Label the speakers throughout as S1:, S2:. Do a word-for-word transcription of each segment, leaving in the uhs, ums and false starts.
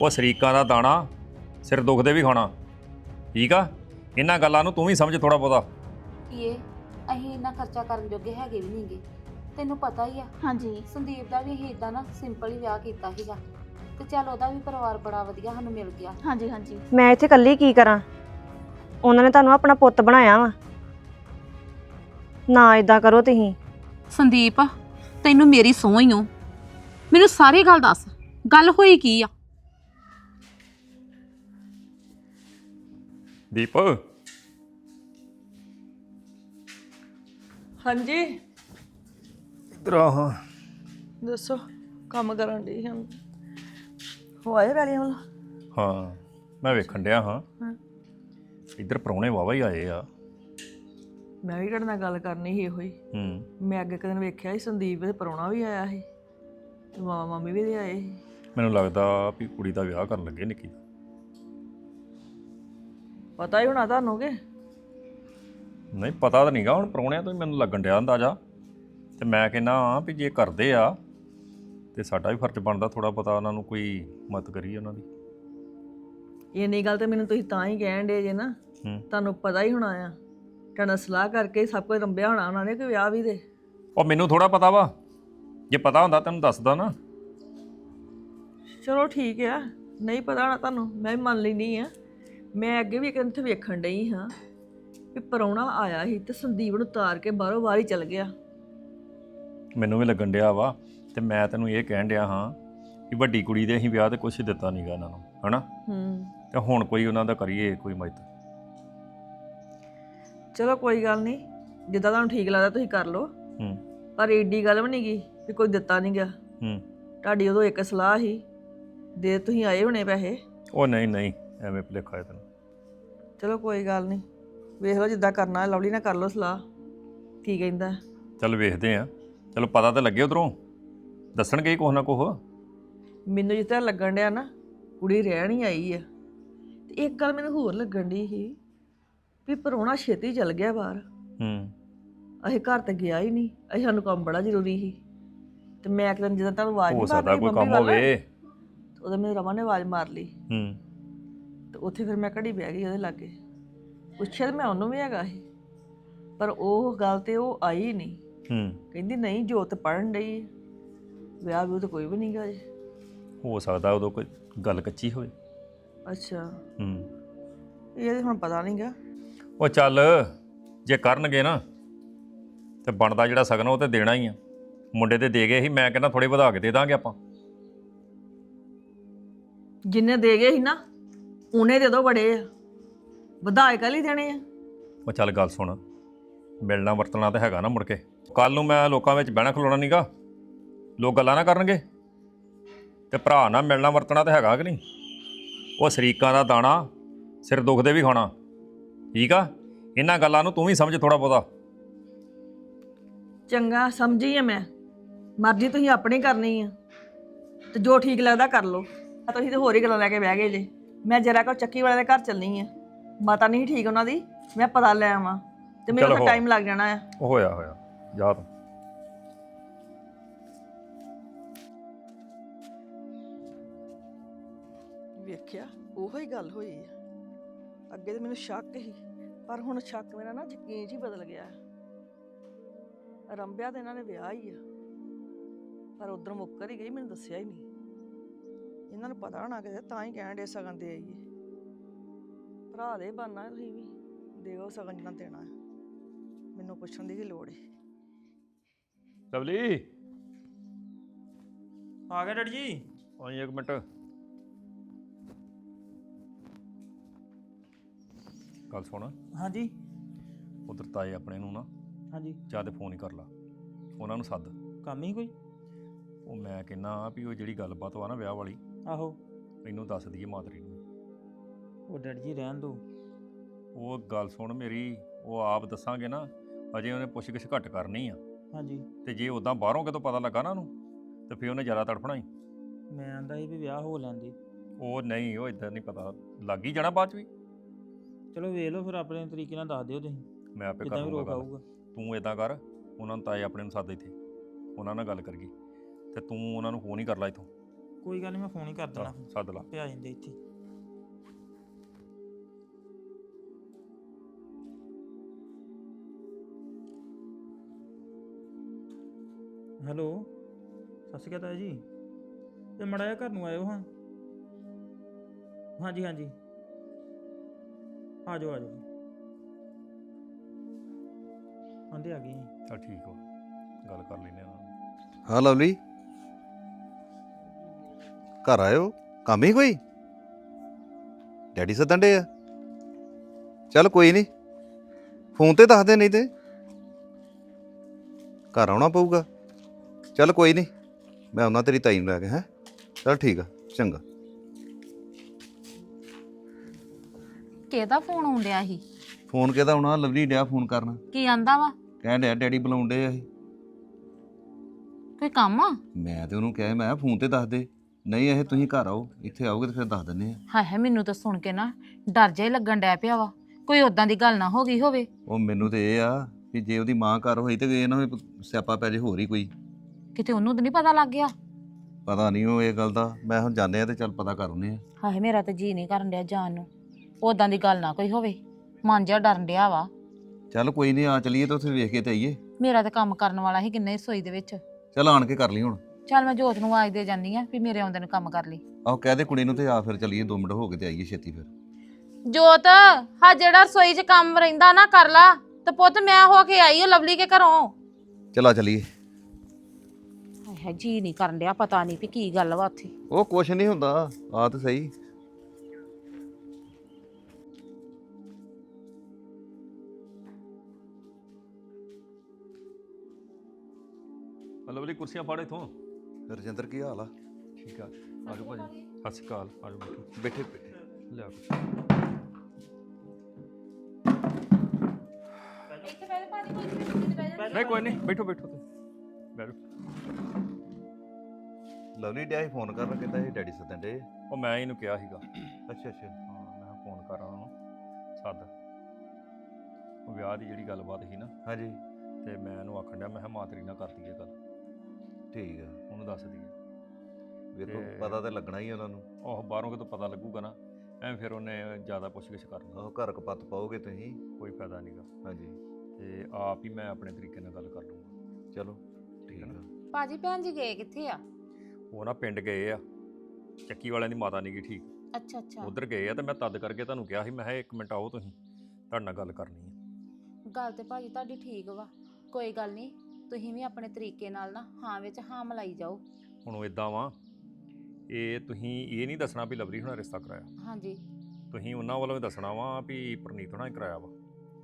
S1: ਉਹ ਸ਼ਰੀਕਾਂ ਦਾ ਦਾਣਾ ਸਿਰ ਦੁਖਦੇ ਵੀ ਖਾਣਾ। ਠੀਕ ਆ, ਇਹਨਾਂ ਗੱਲਾਂ ਨੂੰ ਤੂੰ ਵੀ ਸਮਝ ਥੋੜਾ ਬਹੁਤਾ।
S2: ਇਹ ਅਸੀਂ ਇੰਨਾ ਖਰਚਾ ਕਰਨ ਜੋਗੇ ਹੈਗੇ ਵੀ ਨਹੀਂਗੇ। ਤੈਨੂੰ ਪਤਾ ਹੀ ਆ
S3: ਹਾਂਜੀ
S2: ਸੰਦੀਪ ਦਾ ਵੀ ਅਸੀਂ ਇਦਾਂ ਨਾ ਸਿੰਪਲ ਹੀ ਵਿਆਹ ਕੀਤਾ ਸੀਗਾ ਤੇ ਚੱਲ ਉਹਦਾ ਵੀ ਪਰਿਵਾਰ ਬੜਾ ਵਧੀਆ ਸਾਨੂੰ ਮਿਲ ਗਿਆ।
S3: ਹਾਂਜੀ ਹਾਂਜੀ
S4: ਮੈਂ ਇੱਥੇ ਇਕੱਲੀ ਕੀ ਕਰਾਂ? ਉਹਨਾਂ ਨੇ ਤੁਹਾਨੂੰ ਆਪਣਾ ਪੁੱਤ ਬਣਾਇਆ ਵਾ। ਨਾ ਇਦਾਂ ਕਰੋ ਤੁਸੀਂ।
S5: ਸੰਦੀਪ ਤੈਨੂੰ ਮੇਰੀ ਸਹੁੰ ਹੀ ਓ, ਮੈਨੂੰ ਸਾਰੀ ਗੱਲ ਦੱਸ, ਗੱਲ ਹੋਈ ਕੀ ਆ?
S1: ਦੀਪ
S6: ਹਾਂਜੀ
S1: ਇਧਰ ਆ। ਹਾਂ
S6: ਦੱਸੋ, ਕੰਮ ਕਰਨ ਦੀ ਹਾਂ ਹੋ ਆਏ ਵੈਲੀਆਂ ਵਾਲਾ?
S1: ਹਾਂ ਮੈਂ ਵੇਖਣ ਡਿਆ ਹਾਂ।
S6: ਹਾਂ।
S1: ਇੱਧਰ ਪ੍ਰਾਹੁਣੇ ਵਾਵਾ ਹੀ ਆਏ ਆ।
S6: ਮੈਂ ਵੀ ਤੁਹਾਡੇ ਨਾਲ ਗੱਲ ਕਰਨੀ ਸੀ ਇਹੋ ਹੀ।
S1: ਹੂੰ
S6: ਮੈਂ ਅੱਗੇ ਕਦੇ ਵੇਖਿਆ ਸੀ ਸੰਦੀਪ ਦੇ ਪ੍ਰਾਹੁਣਾ ਵੀ ਆਇਆ ਸੀ ਤੇ ਮਾਮਾ ਮਾਮੀ ਵੀ ਦੇ ਆਏ ਸੀ।
S1: ਮੈਨੂੰ ਲੱਗਦਾ ਵੀ ਕੁੜੀ ਦਾ ਵਿਆਹ ਕਰਨ ਲੱਗੇ ਨਿੱਕੀ ਦਾ।
S6: ਪਤਾ ਹੀ ਹੋਣਾ ਤੁਹਾਨੂੰ ਕਿ
S1: ਨਹੀਂ ਪਤਾ ਤਾਂ ਨਹੀਂਗਾ, ਹੁਣ ਪ੍ਰਾਹੁਣਿਆਂ ਤੋਂ ਹੀ ਮੈਨੂੰ ਲੱਗਣ ਡਿਆ ਅੰਦਾਜ਼ਾ। ਤੇ ਮੈਂ ਕਹਿੰਦਾ ਹਾਂ ਵੀ ਜੇ ਕਰਦੇ ਆ ਤੇ ਸਾਡਾ ਵੀ ਫਰਜ਼ ਬਣਦਾ ਥੋੜਾ ਪਤਾ ਉਹਨਾਂ ਨੂੰ ਕੋਈ ਮਦਦ ਕਰੀਏ ਉਹਨਾਂ ਦੀ।
S6: ਇੰਨੀ ਗੱਲ ਤੇ ਮੈਨੂੰ ਤੁਸੀਂ ਤਾਂ ਹੀ ਕਹਿਣ ਡੇ ਜੇ ਨਾ,
S1: ਹੂੰ
S6: ਤੁਹਾਨੂੰ ਪਤਾ ਹੀ ਹੋਣਾ ਆ। ਤੁਹਾਡਾ ਸਲਾਹ ਕਰਕੇ ਸਭ ਕੁਝ ਰੰਭਿਆ ਹੋਣਾ ਉਹਨਾਂ ਨੇ ਕਿ ਵਿਆਹ ਵੀ ਦੇ।
S1: ਉਹ ਮੈਨੂੰ ਥੋੜਾ ਪਤਾ ਵਾ, ਜੇ ਪਤਾ ਹੁੰਦਾ ਤੈਨੂੰ ਦੱਸਦਾ ਨਾ।
S6: ਚਲੋ ਠੀਕ ਆ, ਨਹੀਂ ਪਤਾ ਹੋਣਾ ਤੁਹਾਨੂੰ, ਮੈਂ ਵੀ ਮੰਨ ਲੈਂਦੀ ਆ। ਮੈਂ ਅੱਗੇ ਵੀ ਇੱਕ ਦਿਨ ਇੱਥੇ ਵੇਖਣ ਡਈ ਹਾਂ ਵੀ ਪ੍ਰਾਹੁਣਾ ਆਇਆ ਸੀ ਤੇ ਸੰਦੀਪ ਨੂੰ ਤਾਰ ਕੇ ਬਾਹਰੋਂ ਬਾਹਰ ਹੀ ਚਲ ਗਿਆ।
S1: ਮੈਨੂੰ ਵੀ ਲੱਗਣ ਡਿਆ ਵਾ। ਤੇ ਮੈਂ ਤੈਨੂੰ ਇਹ ਕਹਿਣ ਡਿਆ ਹਾਂ ਕਿ ਵੱਡੀ ਕੁੜੀ ਦੇ ਅਸੀਂ ਵਿਆਹ ਤੇ ਕੁਛ ਦਿੱਤਾ ਨਹੀਂਗਾ ਇਹਨਾਂ ਨੂੰ, ਹਨਾ?
S6: ਹੂੰ
S1: ਤੇ ਹੁਣ ਕੋਈ ਉਹਨਾਂ ਦਾ ਕਰੀਏ ਕੋਈ ਮਦਦ।
S6: ਚਲੋ ਕੋਈ ਗੱਲ ਨਹੀਂ, ਜਿੱਦਾਂ ਤੁਹਾਨੂੰ ਠੀਕ ਲੱਗਦਾ ਤੁਸੀਂ ਕਰ ਲਓ।
S1: ਹੂੰ
S6: ਪਰ ਏਡੀ ਗੱਲ ਵੀ ਨਹੀਂ ਗਈ ਵੀ ਕੋਈ ਦਿੱਤਾ ਨਹੀਂ ਗਿਆ।
S1: ਹੂੰ
S6: ਤੁਹਾਡੀ ਉਦੋਂ ਇੱਕ ਸਲਾਹ ਸੀ, ਦੇ ਤੁਸੀਂ ਆਏ ਹੋਣੇ ਪੈਸੇ।
S1: ਉਹ ਨਹੀਂ ਨਹੀਂ ਐਵੇਂ ਭੁਲੇਖਾ ਹੈ ਤੈਨੂੰ।
S6: ਚਲੋ ਕੋਈ ਗੱਲ ਨਹੀਂ, ਵੇਖ ਲਓ ਜਿੱਦਾਂ ਕਰਨਾ। ਲਵਲੀ ਨਾਲ ਕਰ ਲਓ ਸਲਾਹ, ਕੀ ਕਹਿੰਦਾ।
S1: ਚੱਲ ਵੇਖਦੇ ਆ। ਚਲੋ ਪਤਾ ਤਾਂ ਲੱਗੇ ਉਧਰੋਂ, ਦੱਸਣਗੇ ਕੁਛ ਨਾ ਕੁਛ।
S6: ਮੈਨੂੰ ਜਿਸ ਤਰ੍ਹਾਂ ਲੱਗਣ ਡਿਆ ਨਾ ਕੁੜੀ ਰਹਿਣ ਹੀ ਆਈ ਆ। ਤੇ ਇੱਕ ਗੱਲ ਮੈਨੂੰ ਹੋਰ ਲੱਗਣ ਡਈ ਸੀ ਵੀ ਪ੍ਰਾਹੁਣਾ ਛੇਤੀ ਚਲ ਗਿਆ ਬਾਹਰ।
S1: ਹੂੰ
S6: ਅਸੀਂ ਘਰ ਤੇ ਗਿਆ ਹੀ ਨਹੀਂ, ਅਸੀਂ ਸਾਨੂੰ ਕੰਮ ਬੜਾ ਜ਼ਰੂਰੀ ਸੀ। ਤੇ ਮੈਂ ਇੱਕ ਦਿਨ ਜਦੋਂ ਤੁਹਾਨੂੰ ਆਵਾਜ਼
S1: ਹੋ
S6: ਨਹੀਂ
S1: ਸਕਦਾ
S6: ਮਾਰੀ
S1: ਕੋਈ
S6: ਮੰਮੀ
S1: ਕੰਮ
S6: ਵੱਲ,
S1: ਹੋਵੇ।
S6: ਤੇ ਉਦੋਂ ਮੈਨੂੰ ਰਮਨ ਨੇ ਆਵਾਜ਼ ਮਾਰ ਲਈ।
S1: ਹੂੰ
S6: ਤੇ ਉੱਥੇ ਫਿਰ ਮੈਂ ਘੜੀ ਬਹਿ ਗਈ ਉਹਦੇ ਲਾਗੇ। ਪੁੱਛਿਆ ਤੇ ਮੈਂ ਉਹਨੂੰ ਵੀ ਹੈਗਾ ਸੀ, ਪਰ ਉਹ ਗੱਲ ਤੇ ਉਹ ਆਈ ਨਹੀਂ।
S1: ਹੂੰ
S6: ਕਹਿੰਦੀ ਨਹੀਂ ਜੋਤ ਪੜਨ ਡਈ, ਵਿਆਹ ਵੀ ਤਾਂ ਕੋਈ ਵੀ ਨਹੀਂ ਗਾ ਜੇ।
S1: ਹੋ ਸਕਦਾ ਉਦੋਂ ਕੋਈ ਗੱਲ ਕੱਚੀ ਹੋਵੇ।
S6: ਅੱਛਾ,
S1: ਹੂੰ
S6: ਇਹ ਤੇ ਹੁਣ ਪਤਾ ਨਹੀਂ ਗਾ।
S1: ਉਹ ਚੱਲ ਜੇ ਕਰਨਗੇ ਨਾ ਤੇ ਬਣਦਾ ਜਿਹੜਾ ਸਗਨ ਉਹ ਤੇ ਦੇਣਾ ਹੀ ਆ। ਮੁੰਡੇ ਤੇ ਦੇ ਗਏ ਸੀ, ਮੈਂ ਕਹਿੰਦਾ ਥੋੜੇ ਵਧਾ ਕੇ ਦੇ ਦਾਂਗੇ ਆਪਾਂ।
S6: ਜਿੰਨੇ ਦੇ ਗਏ ਸੀ ਨਾ ਉਹਨੇ ਦੇ ਦੋ ਬੜੇ ਆ, ਵਧਾਏ ਕੱਲ ਹੀ ਦੇਣੇ ਆ।
S1: ਉਹ ਚੱਲ ਗੱਲ ਸੁਣ, ਮਿਲਣਾ ਵਰਤਣਾ ਤਾਂ ਹੈਗਾ ਨਾ ਮੁੜ ਕੇ। ਕੱਲ ਨੂੰ ਮੈਂ ਲੋਕਾਂ ਵਿੱਚ ਬਹਿਣਾ ਖਲੋਣਾ ਨਹੀਂਗਾ, ਲੋਕ ਗੱਲਾਂ ਨਾ ਕਰਨਗੇ। ਤੇ ਭਰਾ ਨਾਲ ਮਿਲਣਾ ਵਰਤਣਾ ਤਾਂ ਹੈਗਾ ਕਿ ਨਹੀਂ? ਉਹ ਸ਼ਰੀਕਾਂ ਦਾ ਦਾਣਾ ਸਿਰ ਦੁਖਦੇ ਵੀ ਖਾਣਾ। ਠੀਕ ਆ, ਇਹਨਾਂ ਗੱਲਾਂ ਨੂੰ ਤੂੰ ਵੀ ਸਮਝ ਥੋੜਾ ਬਹੁਤਾ।
S6: ਚੰਗਾ ਸਮਝੀ ਆ ਮੈਂ, ਮਰਜ਼ੀ ਤੁਸੀਂ ਆਪਣੀ ਕਰਨੀ ਆ ਤੇ ਜੋ ਠੀਕ ਲੱਗਦਾ ਕਰ ਲਓ। ਤੁਸੀਂ ਤੇ ਹੋਰ ਹੀ ਗੱਲਾਂ ਲੈ ਕੇ ਬਹਿ ਗਏ ਜੇ। ਮੈਂ ਜਰਾ ਕੋ ਚੱਕੀ ਵਾਲੇ ਦੇ ਘਰ ਚੱਲਣੀ ਆ, ਮਾਤਾ ਨਹੀਂ ਠੀਕ ਉਹਨਾਂ ਦੀ, ਮੈਂ ਪਤਾ ਲੈ ਆਵਾਂ ਤੇ ਮੈਨੂੰ ਤਾਂ ਟਾਈਮ ਲੱਗ ਜਾਣਾ ਆ।
S1: ਉਹ ਹੋਇਆ ਹੋਇਆ ਜਾ ਤੂੰ।
S6: ਵੇਖਿਆ ਉਹੋ ਹੀ ਗੱਲ ਹੋਈ ਆ। ਅੱਗੇ ਤੇ ਮੈਨੂੰ ਸ਼ੱਕ ਸੀ, ਪਰ ਹੁਣ ਸ਼ੱਕ ਮੇਰਾ ਨਾ ਯਕੀਨ 'ਚ ਹੀ ਬਦਲ ਗਿਆ। ਰੰਬਿਆ ਤੇ ਇਹਨਾਂ ਨੇ ਵਿਆਹ ਹੀ ਆ, ਪਰ ਉਧਰ ਮੁੱਕਰ ਹੀ ਗਈ, ਮੈਨੂੰ ਦੱਸਿਆ ਹੀ ਨਹੀਂ। ਇਹਨਾਂ ਨੂੰ ਪਤਾ ਹੋਣਾ ਕਿਤੇ, ਤਾਂ ਹੀ ਕਹਿਣ ਡੇ ਸਗਨ ਦੇ ਆਈਏ। ਭਰਾ ਦੇ ਬਣਨਾ ਤੁਸੀਂ ਵੀ ਦਿਓ ਸਗਨ ਜਿੰਨਾ ਦੇਣਾ ਹੈ। ਮੈਨੂੰ ਪੁੱਛਣ ਦੀ ਕੀ ਲੋੜ ਹੈ।
S1: ਲਵਲੀ
S7: ਆ ਗਿਆ ਡੈਡੀ ਜੀ।
S1: ਆਈ ਇੱਕ ਮਿੰਟ। ਗੱਲ ਸੁਣ,
S7: ਹਾਂਜੀ
S1: ਉਧਰ ਤਾਏ ਆਪਣੇ ਨੂੰ ਨਾ
S7: ਹਾਂਜੀ
S1: ਜਾਂ ਤੇ ਫੋਨ ਹੀ ਕਰ ਲਾ, ਉਹਨਾਂ ਨੂੰ ਸੱਦ।
S7: ਕੰਮ ਹੀ ਕੋਈ?
S1: ਉਹ ਮੈਂ ਕਹਿੰਦਾ ਵੀ ਉਹ ਜਿਹੜੀ ਗੱਲਬਾਤ ਵਾ ਨਾ ਵਿਆਹ ਵਾਲੀ,
S7: ਆਹੋ
S1: ਇਹਨੂੰ ਦੱਸ ਦਈਏ ਮਾਦਰੀ ਨੂੰ।
S7: ਉਹ ਡੈਡੀ ਜੀ ਰਹਿਣ ਦੋ।
S1: ਉਹ ਗੱਲ ਸੁਣ ਮੇਰੀ, ਉਹ ਆਪ ਦੱਸਾਂਗੇ ਨਾ, ਅਜੇ ਉਹਨੇ ਪੁੱਛ ਗਿੱਛ ਘੱਟ ਕਰਨੀ ਆ।
S7: ਹਾਂਜੀ
S1: ਤੇ ਜੇ ਉਦਾਂ ਬਾਹਰੋਂ ਕਿਤੋਂ ਪਤਾ ਲੱਗਾ ਨਾ ਉਹਨੂੰ, ਤੇ ਫਿਰ ਉਹਨੇ ਜ਼ਿਆਦਾ ਤੜਫਣਾ ਹੀ।
S7: ਮੈਂ ਆਂਦਾ ਸੀ ਵੀ ਵਿਆਹ ਹੋ ਲੈਂਦੇ।
S1: ਉਹ ਨਹੀਂ, ਉਹ ਇਦਾਂ ਨਹੀਂ, ਪਤਾ ਲੱਗ ਹੀ ਜਾਣਾ ਬਾਅਦ ਚ ਵੀ।
S7: ਚਲੋ ਵੇਖ ਲਓ ਫਿਰ, ਆਪਣੇ ਤਰੀਕੇ ਨਾਲ ਦੱਸ ਦਿਓ ਤੁਸੀਂ,
S1: ਮੈਂ ਆਪੇ ਕਰ
S7: ਜਿੱਦਾਂ ਵੀ
S1: ਲੂੰਗਾ
S7: ਰੋਕ
S1: ਗੱਲ।
S7: ਆਊਗਾ।
S1: ਤੂੰ ਇਦਾਂ ਕਰ, ਉਹਨਾਂ ਨੂੰ ਤਾਏ ਆਪਣੇ ਨੂੰ ਸੱਦ ਇੱਥੇ, ਉਹਨਾਂ ਨਾਲ ਗੱਲ ਕਰੀਏ। ਤੇ ਤੂੰ ਉਹਨਾਂ ਨੂੰ ਫੋਨ ਹੀ ਕਰ ਲੈ ਇੱਥੋਂ,
S7: ਕੋਈ ਗੱਲ ਨਹੀਂ, ਮੈਂ ਫੋਨ ਹੀ ਕਰ ਦੇਣਾ
S1: ਆਹ, ਸੱਦ ਲਾ।
S7: ਪਿਆ ਜਾਂਦੇ ਇੱਥੇ। ਹੈਲੋ, ਸਤਿ ਸ਼੍ਰੀ ਅਕਾਲ ਤਾਇਆ ਜੀ। ਤੇ ਮੜਾ ਜਿਹਾ ਘਰ ਨੂੰ ਆਇਓ ਹਾਂ। ਹਾਂਜੀ ਹਾਂਜੀ, ਆ ਜਾਓ ਆ ਜਾਓ। ਆਂਦੇ ਆ ਗਏ ਜੀ।
S1: ਚੱਲ ਠੀਕ ਹੋ, ਗੱਲ ਕਰ ਲੈਨੇ ਆ।
S3: ਹਾਂ ਲਵਲੀ, ਘਰ ਆਇਓ, ਕੰਮ ਹੀ ਕੋਈ? ਡੈਡੀ ਸੱਦਣ ਡੇ ਆ? ਚੱਲ ਕੋਈ ਨਹੀਂ, ਫੋਨ ਤੇ ਦੱਸ ਦੇ, ਨਹੀਂ ਤੇ ਘਰ ਆਉਣਾ ਪਊਗਾ। ਚੱਲ ਕੋਈ ਨਹੀਂ, ਮੈਂ ਆਉਣਾ ਤੇਰੀ ਤਾਈ ਨੂੰ ਲੈ ਕੇ। ਹੈਂ, ਚੱਲ ਠੀਕ ਆ, ਚੰਗਾ।
S5: ਕਿਹਦਾ ਫੋਨ ਆਉਂਦਿਆ ਸੀ?
S3: ਫੋਨ ਕਿਹਦਾ ਆਉਣਾ, ਲਵਲੀ ਡਿਆ ਫੋਨ ਕਰਨ,
S5: ਕੀ ਆਂਦਾ ਵਾ?
S3: ਕਹਿਣ ਡਿਆ ਡੈਡੀ ਬੁਲਾਉਣ ਡੇ ਆ ਇਹ।
S5: ਕੋਈ ਕੰਮ ਆ?
S3: ਮੈਂ ਤੇ ਉਹਨੂੰ ਕਿਹਾ, ਮੈਂ ਫੋਨ ਤੇ ਦੱਸ ਦੇ। ਨਹੀਂ ਇਹ ਤੁਸੀਂ ਘਰ ਆਓ, ਇੱਥੇ ਆਓਗੇ ਤੇ ਫਿਰ ਦੱਸ ਦਿੰਦੇ ਆ।
S5: ਹਾਏ ਹਾਏ, ਮੈਨੂੰ ਤਾਂ ਸੁਣ ਕੇ ਨਾ ਡਰ ਜਿਹਾ ਹੀ ਲੱਗਣ ਡੈ ਪਿਆ ਵਾ, ਕੋਈ ਉਦਾਂ ਦੀ ਗੱਲ ਨਾ ਹੋ ਗਈ ਹੋਵੇ।
S3: ਉਹ ਮੈਨੂੰ ਤੇ ਇਹ ਆ ਵੀ ਜੇ ਉਹਦੀ ਮਾਂ ਘਰ ਹੋਈ ਤੇ ਇਹ ਨਾ ਵੀ ਸਿਆਪਾ ਪੈ ਜੇ ਹੋਰ ਹੀ ਕੋਈ।
S5: ਕਿਤੇ ਉਹਨੂੰ ਤਾਂ ਨਹੀਂ ਪਤਾ ਲੱਗ ਗਿਆ?
S3: ਪਤਾ ਨਹੀਂ ਉਹ ਇਹ ਗੱਲ ਦਾ। ਮੈਂ ਹੁਣ ਜਾਂਦੇ ਆ ਤੇ ਚੱਲ ਪਤਾ ਕਰ ਆਉਂਦੇ ਆ।
S5: ਹਾਏ ਮੇਰਾ ਤਾਂ ਜੀ ਨਹੀਂ ਕਰਨ ਡਿਆ ਜਾਣ ਨੂੰ, ਉਦਾਂ ਦੀ ਗੱਲ ਨਾ ਕੋਈ ਹੋਵੇ, ਮਨ ਜਿਹਾ ਡਰਨ ਡਿਆ ਵਾ।
S3: ਚੱਲ ਕੋਈ ਨਹੀਂ, ਆ ਚਲੀਏ ਤੇ ਉੱਥੇ ਵੇਖ ਕੇ ਤੇ ਆਈਏ।
S5: ਮੇਰਾ ਤਾਂ ਕੰਮ ਕਰਨ ਵਾਲਾ ਸੀ ਕਿੰਨੇ ਰਸੋਈ ਦੇ ਵਿੱਚ।
S3: ਚੱਲ ਆਣ ਕੇ ਕਰ ਲਈ ਹੁਣ।
S5: ਚੱਲ ਮੈਂ ਜੋਤ ਨੂੰ ਆਵਾਜ਼ ਦੇ ਜਾਂਦੀ ਆ ਵੀ ਮੇਰੇ ਆਉਂਦੇ ਨੂੰ ਕੰਮ ਕਰ ਲਈ।
S3: ਆਹੋ ਕਹਿ ਦੇ ਕੁੜੀ ਨੂੰ ਤੇ ਆ ਫਿਰ ਚਲੀਏ, ਦੋ ਮਿੰਟ ਹੋ ਕੇ ਤੇ ਆਈਏ ਛੇਤੀ ਫਿਰ।
S5: ਜੋਤ, ਹਾਂ ਜਿਹੜਾ ਰਸੋਈ 'ਚ ਕੰਮ ਰਹਿੰਦਾ ਨਾ ਕਰ ਲਾ, ਤੇ ਪੁੱਤ ਮੈਂ ਹੋ ਕੇ ਆਈ ਓ ਲਵਲੀ ਕੇ ਘਰੋਂ।
S3: ਚਲਾ ਚਲੀਏ।
S5: ਹਾਏ ਹਾਏ, ਜੀ ਨਹੀਂ ਕਰਨ ਡਿਆ, ਪਤਾ ਨਹੀਂ ਵੀ ਕੀ ਗੱਲ ਵਾ ਉੱਥੇ।
S3: ਉਹ ਕੁਛ ਨਹੀਂ ਹੁੰਦਾ, ਆ ਤੇ ਸਹੀ।
S1: ਲਵਲੀ ਕੁਰਸੀਆਂ ਫੜ ਇਥੋਂ।
S3: ਰਜਿੰਦਰ ਕੀ ਹਾਲ ਆ?
S1: ਠੀਕ ਆ, ਆ ਜਾਓ ਭਾਜੀ। ਸਤਿ ਸ਼੍ਰੀ ਅਕਾਲ, ਆ ਜਾਓ ਬੈਠੋ।
S3: ਬੈਠੇ ਬੈਠੇ।
S1: ਲਿਆ ਕੁਛ। ਨਹੀਂ ਕੋਈ ਨਹੀਂ, ਬੈਠੋ ਬੈਠੋ ਤੇ ਬੈਠੋ।
S3: ਲਵਲੀ ਡਿਆ ਸੀ ਫੋਨ ਕਰਨ, ਕਹਿੰਦਾ ਸੀ ਡੈਡੀ ਸੱਦਣ ਡੇ।
S1: ਉਹ ਮੈਂ ਇਹਨੂੰ ਕਿਹਾ ਸੀਗਾ।
S3: ਅੱਛਾ ਅੱਛਾ।
S1: ਹਾਂ, ਮੈਂ ਫੋਨ ਕਰਾਂ ਉਹਨੂੰ, ਸੱਦ। ਉਹ ਵਿਆਹ ਦੀ ਜਿਹੜੀ ਗੱਲਬਾਤ ਸੀ ਨਾ,
S3: ਹਾਂਜੀ
S1: ਤੇ ਮੈਂ ਇਹਨੂੰ ਆਖਣ ਡਿਆ, ਮੈਂ ਕਿਹਾ ਮਾਂ ਤੇਰੀ ਨਾਲ ਕਰ ਦਈਏ ਗੱਲ,
S3: ਠੀਕ ਆ।
S1: ਉਹਨੂੰ ਦੱਸ ਦਈਏ।
S3: ਵੇਖੋ
S1: ਤੇ-
S3: ਪਤਾ ਤੇ ਲੱਗਣਾ ਹੀ ਉਹਨਾਂ ਨੂੰ।
S1: ਉਹ ਬਾਹਰੋਂ ਕਿਤੋਂ ਪਤਾ ਲੱਗੂਗਾ ਨਾ, ਐਵੇਂ ਫਿਰ ਉਹਨੇ ਜ਼ਿਆਦਾ ਪੁੱਛ-ਗਿੱਛ ਕਰਨੀ,
S3: ਆਹੋ ਘਰ ਕਪੱਤ ਪਾਓਗੇ ਤੁਸੀਂ।
S1: ਕੋਈ ਫਾਇਦਾ ਨਹੀਂਗਾ।
S3: ਹਾਂਜੀ
S1: ਤੇ ਆਪ ਹੀ ਮੈਂ ਆਪਣੇ ਤਰੀਕੇ ਨਾਲ ਗੱਲ ਕਰ ਲੂੰਗਾ।
S3: ਚਲੋ ਠੀਕ ਆ।
S2: ਭਾਜੀ ਭੈਣ ਜੀ ਗਏ ਕਿੱਥੇ ਆ?
S1: ਉਹ ਨਾ ਪਿੰਡ ਗਏ ਆ, ਚੱਕੀ ਵਾਲਿਆਂ ਦੀ ਮਾਤਾ ਨਹੀਂ ਗਈ ਠੀਕ,
S2: ਅੱਛਾ ਅੱਛਾ,
S1: ਉਧਰ ਗਏ ਆ। ਤੇ ਮੈਂ ਤਦ ਕਰਕੇ ਤੁਹਾਨੂੰ ਕਿਹਾ ਸੀ, ਮੈਂ ਕਿਹਾ ਇੱਕ ਮਿੰਟ ਆਓ, ਤੁਸੀਂ ਤੁਹਾਡੇ ਨਾਲ ਗੱਲ ਕਰਨੀ ਹੈ।
S2: ਗੱਲ ਤੇ ਭਾਜੀ ਤੁਹਾਡੀ ਠੀਕ ਵਾ, ਕੋਈ ਗੱਲ ਨਹੀਂ, ਤੁਸੀਂ ਵੀ ਆਪਣੇ ਤਰੀਕੇ ਨਾਲ ਨਾ ਹਾਂ ਵਿੱਚ ਹਾਂ ਮਲਾਈ ਜਾਓ।
S1: ਹੁਣ ਉਹ ਇਦਾਂ ਵਾ, ਇਹ ਤੁਸੀਂ ਇਹ ਨਹੀਂ ਦੱਸਣਾ ਵੀ ਲਵਲੀ ਹੁਣਾਂ ਰਿਸ਼ਤਾ ਕਰਾਇਆ,
S2: ਹਾਂਜੀ,
S1: ਤੁਸੀਂ ਉਹਨਾਂ ਵੱਲੋਂ ਵੀ ਦੱਸਣਾ ਵਾ ਵੀ ਪ੍ਰਨੀਤ ਹੁਣਾਂ ਹੀ ਕਰਾਇਆ ਵਾ।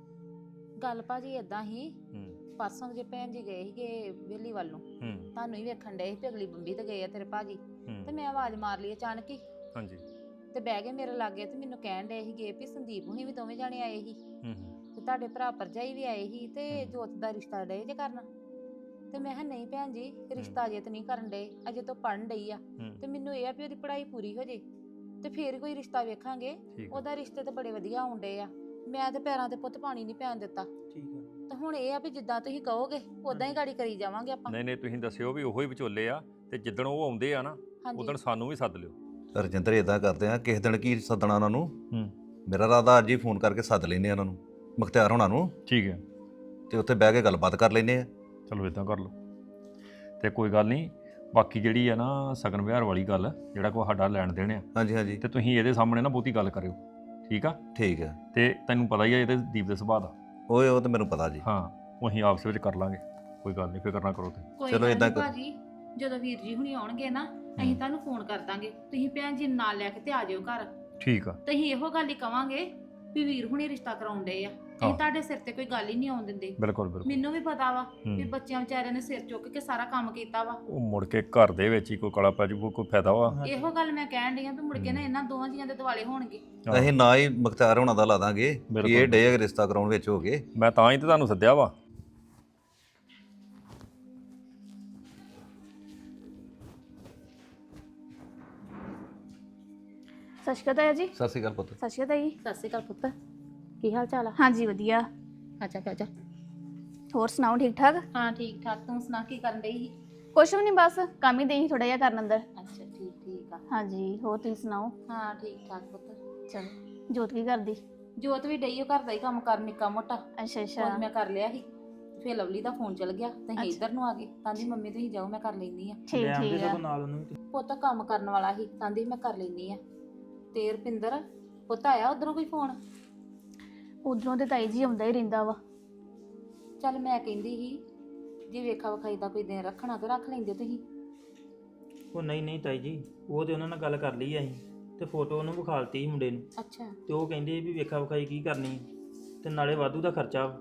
S2: ਗੱਲ ਭਾਜੀ ਇਦਾਂ ਹੀ,
S1: ਹੂੰ
S2: ਪਰਸੋਂ ਜੇ ਭੈਣ ਜੀ ਗਏ ਸੀਗੇ ਵੇਲੀ ਵੱਲ ਨੂੰ,
S1: ਹੂੰ
S2: ਤੁਹਾਨੂੰ ਹੀ ਵੇਖਣ ਡਏ ਸੀ ਵੀ ਅਗਲੀ ਬੰਬੀ ਤੇ ਗਏ ਆ ਤੇਰੇ ਭਾਜੀ, ਤੇ
S1: ਹੂੰ
S2: ਮੈਂ ਆਵਾਜ਼ ਮਾਰ ਲਈ ਅਚਾਨਕ ਹੀ,
S1: ਹਾਂਜੀ
S2: ਤੇ ਬਹਿ ਗਏ ਮੇਰੇ ਲਾਗੇ, ਤੇ ਮੈਨੂੰ ਕਹਿਣ ਡਏ ਸੀਗੇ ਵੀ ਸੰਦੀਪ ਹੁਣੀ ਵੀ ਦੋਵੇਂ ਜਾਣੇ ਆਏ ਸੀ,
S1: ਹੂੰ ਹੂੰ
S2: ਤੇ ਤੁਹਾਡੇ ਭਰਾ ਭਰਜਾਈ ਵੀ ਆਏ ਸੀ, ਤੇ
S1: ਹਮ।
S2: ਜੋਤ ਦਾ ਰਿਸ਼ਤਾ ਡਏ ਜੇ ਕਰਨਾ। ਤੇ ਮੈਂ ਕਿਹਾ ਨਹੀਂ ਭੈਣ ਜੀ, ਰਿਸ਼ਤਾ ਅਜੇ ਤਾਂ ਨਹੀਂ ਕਰਨ ਡਏ, ਅਜੇ ਤੋਂ ਪੜਨ ਡਈ ਆ,
S1: ਹੂੰ
S2: ਤੇ ਮੈਨੂੰ ਇਹ ਆ ਵੀ ਉਹਦੀ ਪੜ੍ਹਾਈ ਪੂਰੀ ਹੋ ਜੇ ਤੇ ਫੇਰ ਕੋਈ ਰਿਸ਼ਤਾ ਵੇਖਾਂਗੇ।
S1: ਠੀਕ ਆ।
S2: ਉਹਦਾ ਰਿਸ਼ਤੇ ਤੇ ਬੜੇ ਵਧੀਆ ਆਉਣ ਡਏ ਆ, ਮੈਂ ਤੇ ਪੈਰਾਂ ਤੇ ਪੁੱਤ ਪਾਣੀ ਨਹੀਂ ਪੈਣ ਦਿੱਤਾ,
S7: ਠੀਕ ਆ।
S2: ਤੇ ਹੁਣ ਇਹ ਆ ਵੀ ਜਿੱਦਾਂ ਤੁਸੀਂ ਕਹੋਗੇ ਉਦਾਂ ਹੀ ਗਾੜੀ ਕਰੀ ਜਾਵਾਂਗੇ ਆਪਾਂ।
S1: ਨਹੀਂ ਨਹੀਂ, ਤੁਸੀਂ ਦੱਸਿਓ ਵੀ ਉਹੋ ਹੀ ਵਿਚੋਲੇ ਆ, ਤੇ ਜਿੱਦਣ ਉਹ ਆਉਂਦੇ ਆ ਨਾ,
S2: ਹਾਂਜੀ
S1: ਉਦਣ ਸਾਨੂੰ ਵੀ ਸੱਦ ਲਿਓ।
S3: ਰਜਿੰਦਰ ਇਦਾਂ ਕਰਦੇ ਆ, ਕਿਸੇ ਦਿਨ ਕੀ ਸੱਦਣਾ ਉਹਨਾਂ ਨੂੰ।
S1: ਹੂੰ
S3: ਮੇਰਾ ਇਰਾਦਾ ਅੱਜ ਹੀ ਫੋਨ ਕਰਕੇ ਸੱਦ ਲੈਨੇ ਆ ਉਹਨਾਂ ਨੂੰ, ਮੁਖਤਿਆਰ ਹੋਣਾ ਨੂੰ,
S1: ਠੀਕ ਹੈ,
S3: ਤੇ ਉੱਥੇ ਬਹਿ ਕੇ ਗੱਲਬਾਤ ਕਰ ਲੈਨੇ ਆ।
S1: ਚਲੋ ਇਦਾਂ ਕਰ ਲਓ। ਤੇ ਕੋਈ ਗੱਲ ਨਹੀਂ, ਬਾਕੀ ਜਿਹੜੀ ਆ ਨਾ ਸਗਨ ਵਿਹਾਰ ਵਾਲੀ ਗੱਲ, ਜਿਹੜਾ ਕੋ ਸਾਡਾ ਲੈਣ ਦੇਣ ਆ,
S3: ਹਾਂਜੀ ਹਾਂਜੀ
S1: ਤੇ ਤੁਸੀਂ ਇਹਦੇ ਸਾਹਮਣੇ ਨਾ ਬਹੁਤੀ ਗੱਲ ਕਰਿਓ, ਠੀਕ ਆ?
S3: ਠੀਕ ਆ।
S1: ਤੇ ਤੈਨੂੰ ਪਤਾ ਹੀ ਆ ਇਹਦੇ ਦੀਪ ਦੇ ਸੁਭਾਅ ਦਾ।
S3: ਓਏ ਉਹ ਤਾਂ ਮੈਨੂੰ ਪਤਾ ਜੀ।
S1: ਹਾਂ, ਉਹ ਅਸੀਂ ਆਪਸ ਵਿੱਚ ਕਰ ਲਾਂਗੇ, ਕੋਈ ਗੱਲ ਨਹੀਂ, ਫਿਕਰ ਨਾ ਕਰੋ ਤੁਸੀਂ।
S2: ਕੋਈ
S3: ਚਲੋ
S2: ਗੱਲ
S3: ਏਦਾਂ
S2: ਨੀ
S3: ਕਰੋ।
S2: ਭਾਜੀ, ਜਦੋਂ ਵੀਰ ਜੀ ਹੁਣੀ ਆਉਣਗੇ ਨਾ, ਅਸੀਂ ਤੁਹਾਨੂੰ ਫੋਨ ਕਰ ਦਾਂਗੇ, ਤੁਸੀਂ ਭੈਣ ਜੀ ਨੂੰ ਨਾਲ ਲੈ ਕੇ ਤੇ ਆ ਜਾਇਓ ਘਰ।
S1: ਠੀਕ ਆ,
S2: ਤੇ ਅਸੀਂ ਇਹੋ ਗੱਲ ਹੀ ਕਵਾਂਗੇ ਵੀ ਵੀਰ ਹੁਣੀ ਰਿਸ਼ਤਾ ਕਰਾਉਣ ਡਏ ਆ, ਅਸੀਂ
S1: ਹਾਂ।
S2: ਤੁਹਾਡੇ ਸਿਰ ਤੇ ਕੋਈ ਗੱਲ ਹੀ ਨਹੀਂ ਆਉਣ ਦਿੰਦੇ।
S1: ਬਿਲਕੁਲ ਬਿਲਕੁਲ।
S2: ਮੈਨੂੰ ਵੀ ਪਤਾ ਵਾ ਵੀ
S1: ਹੂੰ।
S2: ਬੱਚਿਆਂ ਵਿਚਾਰਿਆਂ ਨੇ ਸਿਰ ਚੁੱਕ ਕੇ ਸਾਰਾ ਕੰਮ ਕੀਤਾ ਵਾ,
S1: ਉਹ ਮੁੜ ਕੇ ਘਰ ਦੇ ਵਿੱਚ ਹੀ ਕੋਈ ਕਲਾ ਪੈ ਜੂ, ਕੋਈ ਫਾਇਦਾ ਵਾ?
S2: ਇਹੋ ਗੱਲ ਮੈਂ ਕਹਿਣ ਡਈ ਆ ਵੀ ਮੁੜ ਕੇ ਨਾ ਇਹਨਾਂ ਦੋਵਾਂ ਜੀਆਂ ਦੇ ਦਿਵਾਲੇ ਹੋਣਗੇ।
S1: ਹਾਂ।
S3: ਅਸੀਂ ਨਾ ਹੀ ਮੁਖਤਿਆਰ ਹੋਣਾ ਦਾ ਲਾ ਦਾਂਗੇ ਕਿ
S1: ਬਿਲਕੁਲ।
S3: ਇਹ ਡੇ ਰਿਸ਼ਤਾ ਕਰਾਉਣ ਵਿੱਚ ਹੋ ਗਏ।
S1: ਮੈਂ ਤਾਂ ਹੀ ਤੇ ਤੁਹਾਨੂੰ ਸੱਦਿਆ ਵਾ।
S8: ਸਤਿ ਸ਼੍ਰੀ ਅਕਾਲ ਤਾਇਆ ਜੀ।
S3: ਸਤਿ ਸ਼੍ਰੀ ਅਕਾਲ ਪੁੱਤ।
S8: ਸਤਿ ਸ਼੍ਰੀ ਅਕਾਲ ਤਾਈ।
S2: ਸਤਿ ਸ਼੍ਰੀ ਅਕਾਲ ਪੁੱਤ, ਕੀ ਹਾਲ ਚਾਲ ਆ?
S8: ਹਾਂਜੀ ਵਧੀਆ।
S2: ਅੱਛਾ ਅੱਛਾ,
S8: ਹੋਰ ਸੁਣਾਓ ਠੀਕ ਠਾਕ?
S2: ਹਾਂ ਠੀਕ ਠਾਕ, ਤੂੰ ਸੁਣਾ ਕੀ ਕਰਨ ਡਈ ਸੀ?
S8: ਕੁਛ ਵੀ ਨਹੀਂ, ਬਸ ਕੰਮ ਹੀ ਦੇਈ ਥੋੜਾ ਜਿਹਾ ਕਰਨ ਅੰਦਰ।
S2: ਅੱਛਾ ਠੀਕ ਠੀਕ ਠੀਕ ਆ।
S8: ਹਾਂਜੀ ਹੋਰ ਤੁਸੀਂ ਸੁਣਾਓ?
S2: ਹਾਂ ਠੀਕ ਠਾਕ ਪੁੱਤ।
S8: ਚਲੋ ਜੋਤ ਕੀ ਕਰਦੀ?
S2: ਜੋਤ ਵੀ ਡਈ ਉਹ ਘਰ ਦਾ ਹੀ ਕੰਮ ਕਰ ਨਿੱਕਾ ਮੋਟਾ।
S8: ਅੱਛਾ
S2: ਉਹ
S8: ਅੱਛਾ
S2: ਮੈਂ ਕਰ ਲਿਆ ਸੀ। ਫਿਰ ਲਵਲੀ ਦਾ ਫੋਨ ਚਲ ਗਿਆ ਤੇ
S8: ਅੱਛਾ।
S2: ਇੱਧਰ ਨੂੰ ਆ ਗਏ। ਕਹਿੰਦੀ ਮੰਮੀ ਤੁਸੀਂ ਜਾਓ ਮੈਂ ਕਰ ਲੈਂਦੀ ਆ।
S8: ਠੀਕ
S7: ਲੈ ਆਉਂਦੇ
S8: ਠੀਕ ਆ।
S7: ਸਗੋਂ ਨਾਲ ਉਹਨੂੰ ਵੀ।
S2: ਪੁੱਤ ਕੰਮ ਕਰਨ ਵਾਲਾ ਸੀ ਕਹਿੰਦੀ ਮੈਂ ਕਰ ਲੈਂਦੀ ਆ। ਤੇ ਰੁਪਿੰਦਰ ਪੁੱਤ ਆਇਆ ਉਧਰੋਂ ਕੋਈ ਫੋਨ?
S8: ਉਧਰੋਂ ਤੇ ਤਾਈ ਜੀ ਆਉਂਦਾ ਹੀ ਰਹਿੰਦਾ ਵਾ।
S2: ਚੱਲ ਮੈਂ ਕਹਿੰਦੀ ਸੀ ਜੇ ਵੇਖਾ ਵਿਖਾਈ ਦਾ ਕੋਈ ਦਿਨ ਰੱਖਣਾ ਤੇ ਰੱਖ ਲੈਂਦੇ ਤੁਸੀਂ।
S7: ਉਹ ਨਹੀਂ ਨਹੀਂ ਤਾਈ ਜੀ, ਉਹ ਤੇ ਉਹਨਾਂ ਨਾਲ ਗੱਲ ਕਰ ਲਈ ਅਸੀਂ ਤੇ ਫੋਟੋ ਉਹਨੂੰ ਵਿਖਾਲਤੀ ਸੀ ਮੁੰਡੇ ਨੂੰ,
S2: ਅੱਛਾ
S7: ਤੇ ਉਹ ਕਹਿੰਦੇ ਵੀ ਵੇਖਾ ਵਿਖਾਈ ਕੀ ਕਰਨੀ ਹੈ, ਤੇ ਨਾਲੇ ਵਾਧੂ ਦਾ ਖਰਚਾ ਵਾ,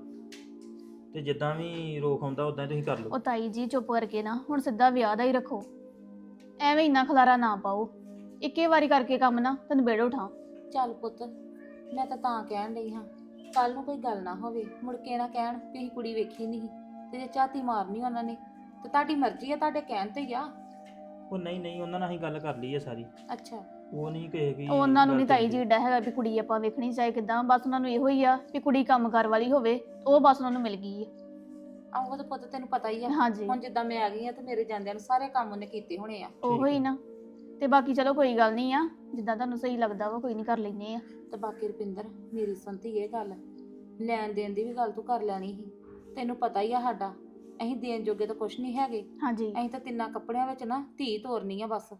S7: ਤੇ ਜਿੱਦਾਂ ਵੀ ਰੋਕ ਆਉਂਦਾ ਉਦਾਂ ਹੀ ਤੁਸੀਂ ਕਰ ਲਓ।
S8: ਉਹ ਤਾਈ ਜੀ ਚੁੱਪ ਕਰਕੇ ਨਾ ਹੁਣ ਸਿੱਧਾ ਵਿਆਹ ਦਾ ਹੀ ਰੱਖੋ, ਐਵੇਂ ਇੰਨਾ ਖਲਾਰਾ ਨਾ ਪਾਓ। ਇੱਕੇ ਵਾਰੀ ਕਰਕੇ ਕੰਮ ਨਾ ਤੈਨੂੰ ਬੇੜ ਉਠਾ।
S2: ਚੱਲ ਪੁੱਤ ਮੈਂ ਤਾਂ ਤਾਂ ਕਹਿਣ ਲਈ ਹਾਂ ਕੱਲ ਨੂੰ ਕੋਈ ਗੱਲ ਨਾ ਹੋਵੇ ਮੁੜ ਕੇ ਨਾ ਕਹਿਣ ਵੀ ਅਸੀਂ ਕੁੜੀ ਵੇਖੀ ਨਹੀਂ ਤੇ ਜੇ ਝਾਤੀ ਮਾਰਨੀ ਉਹਨਾਂ ਨੇ ਤੇ ਤੁਹਾਡੀ ਮਰਜ਼ੀ ਆ, ਤੁਹਾਡੇ ਕਹਿਣ ਤੇ ਹੀ ਆ।
S7: ਉਹ ਨਹੀਂ ਨਹੀਂ ਉਹਨਾਂ ਨਾਲ ਅਸੀਂ ਗੱਲ ਕਰ ਲਈ ਹੈ ਸਾਰੀ,
S2: ਅੱਛਾ
S7: ਉਹ ਨਹੀਂ ਕਹੇ ਕਿ
S8: ਉਹਨਾਂ ਨੂੰ
S7: ਗੱਲ
S8: ਨਹੀਂ ਤਾਈ
S7: ਕਰੀ।
S8: ਜੀ ਏਡਾ ਹੈਗਾ ਵੀ ਕੁੜੀ ਆਪਾਂ ਵੇਖਣੀ ਚਾਹੇ ਕਿਦਾਂ, ਬਸ ਉਹਨਾਂ ਨੂੰ ਇਹੋ ਹੀ ਆ ਵੀ ਕੁੜੀ ਕੰਮ ਕਾਰ ਵਾਲੀ ਹੋਵੇ, ਉਹ ਬਸ ਉਹਨਾਂ ਨੂੰ ਮਿਲ ਗਈ ਹੈ।
S2: ਆਹੋ ਤਾਂ ਪੁੱਤ ਤੈਨੂੰ ਪਤਾ ਹੀ ਆ
S8: ਹਾਂਜੀ
S2: ਹੁਣ ਜਿੱਦਾਂ ਮੈਂ ਆ ਗਈ ਆ ਤੇ ਮੇਰੇ ਜਾਂਦਿਆਂ ਨੂੰ ਸਾਰੇ ਕੰਮ ਉਹਨੇ ਕੀਤੇ ਹੋਣੇ ਆ।
S8: ਉਹੋ ਹੀ ਨਾ। ਤੇ ਬਾਕੀ ਚਲੋ ਕੋਈ ਗੱਲ ਨਹੀਂ ਆ, ਜਿੱਦਾਂ ਤੁਹਾਨੂੰ ਸਹੀ ਲੱਗਦਾ ਵਾ ਕੋਈ ਨਹੀਂ ਕਰ ਲੈਨੇ ਆ।
S2: ਤੇ ਬਾਕੀ ਰੁਪਿੰਦਰ ਮੇਰੀ ਸੁਣਤੀ ਇਹ ਗੱਲ, ਲੈਣ ਦੇਣ ਦੀ ਵੀ ਗੱਲ ਤੂੰ ਕਰ ਲੈਣੀ ਸੀ। ਤੈਨੂੰ ਪਤਾ ਹੀ ਆ ਸਾਡਾ ਅਸੀਂ ਦੇਣ ਜੋਗੇ ਤਾਂ ਕੁਛ ਨਹੀਂ ਹੈਗੇ।
S8: ਹਾਂਜੀ
S2: ਅਸੀਂ ਤਾਂ ਤਿੰਨਾਂ ਕੱਪੜਿਆਂ ਵਿੱਚ ਨਾ ਧੀ ਤੋਰਨੀ ਆ ਬਸ।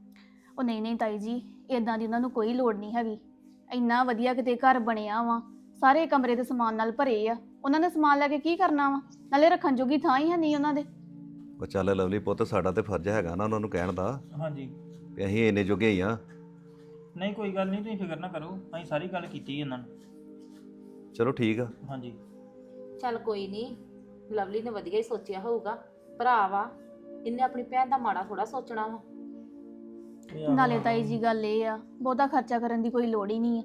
S8: ਉਹ ਨਹੀਂ ਨਹੀਂ ਤਾਈ ਜੀ ਇਦਾਂ ਦੀ ਉਹਨਾਂ ਨੂੰ ਕੋਈ ਲੋੜ ਨਹੀਂ ਹੈਗੀ। ਇੰਨਾ ਵਧੀਆ ਕਿਤੇ ਘਰ ਬਣਿਆ ਵਾ, ਸਾਰੇ ਕਮਰੇ ਦੇ ਸਮਾਨ ਨਾਲ ਭਰੇ ਆ, ਉਹਨਾਂ ਨੇ ਸਮਾਨ ਲੈ ਕੇ ਕੀ ਕਰਨਾ ਵਾ, ਨਾਲੇ ਰੱਖਣ ਜੋਗੀ ਥਾਂ ਹੀ ਹੈ ਨਹੀਂ ਉਹਨਾਂ ਦੇ।
S3: ਉਹ ਚੱਲ ਲਵਲੀ ਪੁੱਤ, ਸਾਡਾ ਤੇ ਫਰਜ਼ ਹੈਗਾ ਨਾ ਉਹਨਾਂ ਨੂੰ ਕਹਿਣ ਦਾ
S7: ਹਾਂਜੀ
S3: ਵੀ ਅਸੀਂ ਇੰਨੇ ਜੋਗੇ ਹੀ ਆ।
S7: ਨਹੀਂ ਕੋਈ ਗੱਲ ਨਹੀਂ, ਤੁਸੀਂ ਫਿਕਰ ਨਾ ਕਰੋ, ਅਸੀਂ ਸਾਰੀ ਗੱਲ ਕੀਤੀ ਇਹਨਾਂ ਨਾਲ।
S3: ਚਲੋ ਠੀਕ ਆ।
S7: ਹਾਂਜੀ
S2: ਚੱਲ ਕੋਈ ਨਹੀਂ, ਲਵਲੀ ਨੇ ਵਧੀਆ ਹੀ ਸੋਚਿਆ ਹੋਊਗਾ, ਭਰਾ ਵਾ, ਇਹਨੇ ਆਪਣੀ ਭੈਣ ਦਾ ਮਾੜਾ ਥੋੜਾ ਸੋਚਣਾ ਵਾ।
S7: ਇਹ ਆਹੋ
S8: ਨਾਲੇ ਤਾਈ ਜੀ ਗੱਲ ਇਹ ਆ ਬਹੁਤਾ ਖਰਚਾ ਕਰਨ ਦੀ ਕੋਈ ਲੋੜ ਹੀ ਨਹੀਂ ਆ।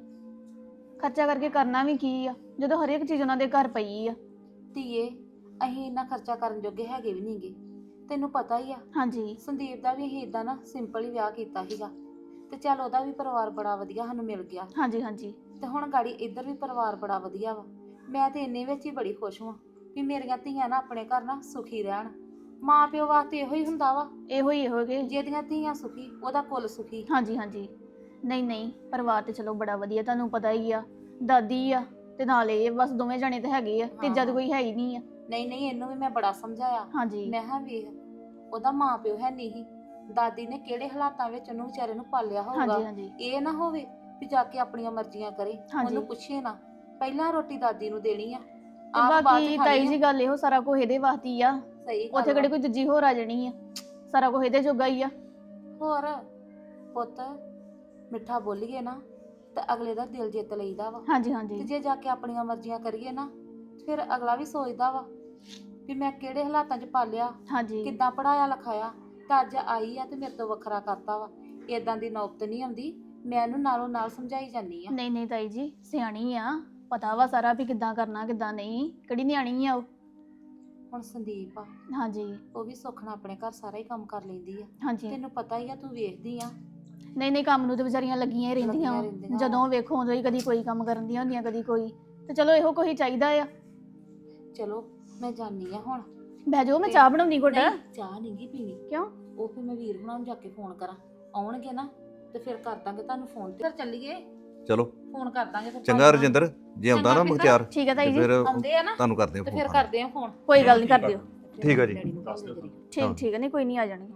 S8: ਖਰਚਾ ਕਰਕੇ ਕਰਨਾ ਵੀ ਕੀ ਆ ਜਦੋਂ ਹਰੇਕ ਚੀਜ਼ ਉਹਨਾਂ ਦੇ ਘਰ ਪਈ ਆ।
S2: ਧੀਏ ਅਸੀਂ ਇੰਨਾ ਖਰਚਾ ਕਰਨ ਜੋਗੇ ਹੈਗੇ ਵੀ ਨਹੀਂਗੇ, ਤੈਨੂੰ ਪਤਾ ਹੀ ਆ।
S8: ਹਾਂਜੀ
S2: ਸੰਦੀਪ ਦਾ ਵੀ ਅਸੀਂ ਇਦਾਂ ਨਾ ਸਿੰਪਲ ਹੀ ਵਿਆਹ ਕੀਤਾ ਸੀਗਾ ਤੇ ਚੱਲ ਉਹਦਾ ਵੀ ਪਰਿਵਾਰ ਬੜਾ ਵਧੀਆ ਸਾਨੂੰ ਮਿਲ ਗਿਆ।
S8: ਹਾਂਜੀ ਹਾਂਜੀ
S2: ਤੇ ਹੁਣ ਗਾੜੀ ਇੱਧਰ ਵੀ ਪਰਿਵਾਰ ਬੜਾ ਵਧੀਆ ਵਾ। ਮੈਂ ਤੇ ਇੰਨੇ ਵਿੱਚ ਹੀ ਬੜੀ ਖੁਸ਼ ਹਾਂ ਵੀ ਮੇਰੀਆਂ ਧੀਆਂ ਨਾ ਆਪਣੇ ਘਰ ਨਾ ਸੁਖੀ ਰਹਿਣ। ਮਾਂ ਪਿਓ ਵਾਸਤੇ ਇਹੋ ਹੀ ਹੁੰਦਾ ਵਾ,
S8: ਇਹੋ ਹੀ ਇਹੋ ਕਿ
S2: ਜਿਹਦੀਆਂ ਧੀਆਂ ਸੁਖੀ ਉਹਦਾ ਕੁੱਲ ਸੁਖੀ।
S8: ਹਾਂਜੀ ਹਾਂਜੀ ਨਹੀਂ ਨਹੀਂ ਪਰਿਵਾਰ ਤੇ ਚਲੋ ਬੜਾ ਵਧੀਆ, ਤੁਹਾਨੂੰ ਪਤਾ ਹੀ ਆ ਦਾਦੀ ਆ ਤੇ ਨਾਲ ਇਹ ਬਸ ਦੋਵੇਂ ਜਣੇ ਤਾਂ ਹੈਗੇ ਆ, ਤੀਜਾ ਤਾਂ ਕੋਈ ਹੈ ਹੀ ਨਹੀਂ ਆ।
S2: ਨਹੀਂ ਨਹੀਂ ਇਹਨੂੰ ਵੀ ਮੈਂ ਬੜਾ ਸਮਝਾਇਆ।
S8: ਹਾਂਜੀ
S2: ਮੈਂ ਹਾਂ ਵੇਖ ਉਹਦਾ ਮਾਂ ਪਿਓ ਹੈ ਨਹੀਂ, ਦਾਦੀ ਨੇ ਕਿਹੜੇ ਹਾਲਾਤਾਂ ਵਿੱਚ ਉਹਨੂੰ ਵਿਚਾਰੇ ਨੂੰ ਪਾਲਿਆ
S8: ਹਾਂਜੀ
S2: ਹੋਊਗਾ।
S8: ਹਾਂਜੀ
S2: ਇਹ ਨਾ ਹੋਵੇ ਵੀ ਜਾ ਕੇ ਆਪਣੀਆਂ ਮਰਜ਼ੀਆਂ ਕਰੇ,
S8: ਹਾਂਜੀ।
S2: ਉਹਨੂੰ ਪੁੱਛੇ ਨਾ, ਪਹਿਲਾਂ ਰੋਟੀ ਦਾਦੀ ਨੂੰ ਦੇਣੀ ਆ,
S8: ਤੇ
S2: ਆਪ ਬਾਅਦ
S8: ਬਾਕੀ
S2: ਚ
S8: ਤਾਈ
S2: ਖਾਣੀ
S8: ਜੀ
S2: ਆ।
S8: ਗੱਲ ਇਹੋ ਸਾਰਾ ਕੁਝ ਇਹਦੇ ਵਾਸਤੇ ਹੀ ਆ,
S2: ਸਹੀ
S8: ਉੱਥੇ
S2: ਗੱਲ
S8: ਕਿਹੜੇ
S2: ਆ।
S8: ਕੋਈ ਦੂਜੀ ਹੋਰ ਆ ਜਾਣੀ ਆ, ਸਾਰਾ ਕੁਝ ਇਹਦੇ ਜੋਗਾ ਹੀ ਆ।
S2: ਹੋਰ ਪੁੱਤ ਮਿੱਠਾ ਬੋਲੀਏ ਨਾ ਤਾਂ ਅਗਲੇ ਦਾ ਦਿਲ ਜਿੱਤ ਲਈਦਾ ਵਾ।
S8: ਹਾਂਜੀ
S2: ਤੇ
S8: ਹਾਂਜੀ
S2: ਜੇ ਜਾ ਕੇ ਆਪਣੀਆਂ ਮਰਜ਼ੀਆਂ ਕਰੀਏ ਨਾ ਫਿਰ ਅਗਲਾ ਵੀ ਸੋਚਦਾ ਵਾ ਵੀ ਮੈਂ ਕਿਹੜੇ ਹਾਲਾਤਾਂ 'ਚ ਪਾਲਿਆ,
S8: ਹਾਂਜੀ
S2: ਕਿੱਦਾਂ ਪੜਾਇਆ ਲਿਖਾਇਆ, ਤਾਂ ਅੱਜ ਆਈ ਆ ਤੇ ਮੇਰੇ ਤੋਂ ਵੱਖਰਾ ਕਰਤਾ ਵਾ। ਇਦਾਂ ਦੀ ਨੌਬਤ ਨਹੀਂ ਆਉਂਦੀ, ਮੈਂ ਇਹਨੂੰ ਨਾਲੋਂ ਨਾਲ ਸਮਝਾਈ ਜਾਂਦੀ ਆ।
S8: ਨਹੀਂ ਨਹੀਂ ਤਾਈ ਜੀ ਸਿਆਣੀ ਆ, ਪਤਾ ਵਾ ਸਾਰਾ ਵੀ ਕਿੱਦਾਂ ਕਰਨਾ ਕਿੱਦਾਂ ਨਹੀਂ, ਕਿਹੜੀ ਨਿਆਣੀ ਆ ਉਹ।
S2: ਹੁਣ ਸੰਦੀਪ ਆ
S8: ਹਾਂਜੀ
S2: ਉਹ ਵੀ ਸੁੱਖ ਨਾਲ ਆਪਣੇ ਘਰ ਸਾਰਾ ਹੀ ਕੰਮ ਕਰ ਲੈਂਦੀ ਆ।
S8: ਹਾਂਜੀ
S2: ਤੈਨੂੰ ਪਤਾ ਹੀ ਆ, ਤੂੰ ਵੇਖਦੀ ਆ।
S8: ਨਹੀਂ ਨਹੀਂ ਕੰਮ ਨੂੰ ਤੇ ਵਿਚਾਰੀਆਂ ਲੱਗੀਆਂ ਹੀ ਰਹਿੰਦੀਆਂ
S2: ਲੱਗੀਆਂ
S8: ਵਾਂ।
S2: ਰਹਿੰਦੀਆਂ।
S8: ਜਦੋਂ ਵੇਖੋ ਉਦੋਂ ਹੀ ਕਦੀ ਕੋਈ ਕੰਮ ਕਰਨ ਦੀਆਂ ਹੁੰਦੀਆਂ ਕਦੀ ਕੋਈ, ਤੇ ਚਲੋ ਇਹੋ ਕੋਈ ਚਾਹੀਦਾ ਆ।
S2: ਚਲੋ ਮੈਂ ਜਾਣੀ ਆ ਹੁਣ।
S8: ਬਹਿ ਜਾਓ ਮੈਂ ਚਾਹ ਬਣਾਉਣੀ ਘੁੱਟ।
S2: ਨਹੀਂ, ਚਾਹ ਨਹੀਂ ਗੀ ਪੀਣੀ।
S8: ਕਿਉਂ?
S2: ਉਹ ਫਿਰ ਮੈਂ ਵੀਰ ਹੁਣਾਂ ਨੂੰ ਜਾ ਕੇ ਫੋਨ ਕਰਾਂ, ਆਉਣਗੇ ਨਾ ਤੇ ਫਿਰ ਕਰ ਦਾਂਗੇ ਤੁਹਾਨੂੰ ਫੋਨ ਤੇ। ਫਿਰ ਚੱਲੀਏ,
S3: ਚਲੋ
S2: ਫੋਨ ਕਰ ਦਾਂਗੇ ਫਿਰ।
S3: ਚੰਗਾ ਰਜਿੰਦਰ, ਜੇ ਆਉਂਦਾ ਨਾ
S2: ਚੰਗਾ ਪਿੰਦਰ।
S3: ਮੁਖਤਿਆਰ
S8: ਠੀਕ ਹੈ ਤਾਈ
S3: ਤੇ
S8: ਜੀ,
S3: ਫਿਰ
S2: ਆਉਂਦੇ ਆ ਨਾ
S3: ਤੁਹਾਨੂੰ ਕਰਦੇ ਆ
S2: ਤੇ
S3: ਫੋਨ।
S2: ਫਿਰ ਕਰਦੇ ਆ ਫੋਨ।
S8: ਕੋਈ ਗੱਲ ਨਹੀਂ ਕਰ ਦਿਓ।
S3: ਠੀਕ ਆ ਜੀ।
S2: ਡੈਡੀ ਨੂੰ
S1: ਦੱਸ
S2: call
S1: ਦਿਓ।
S2: ਕਰੀ।
S8: ਠੀਕ ਠੀਕ ਹੈ, ਨਹੀਂ ਕੋਈ ਨਹੀਂ ਆ ਜਾਣੀ।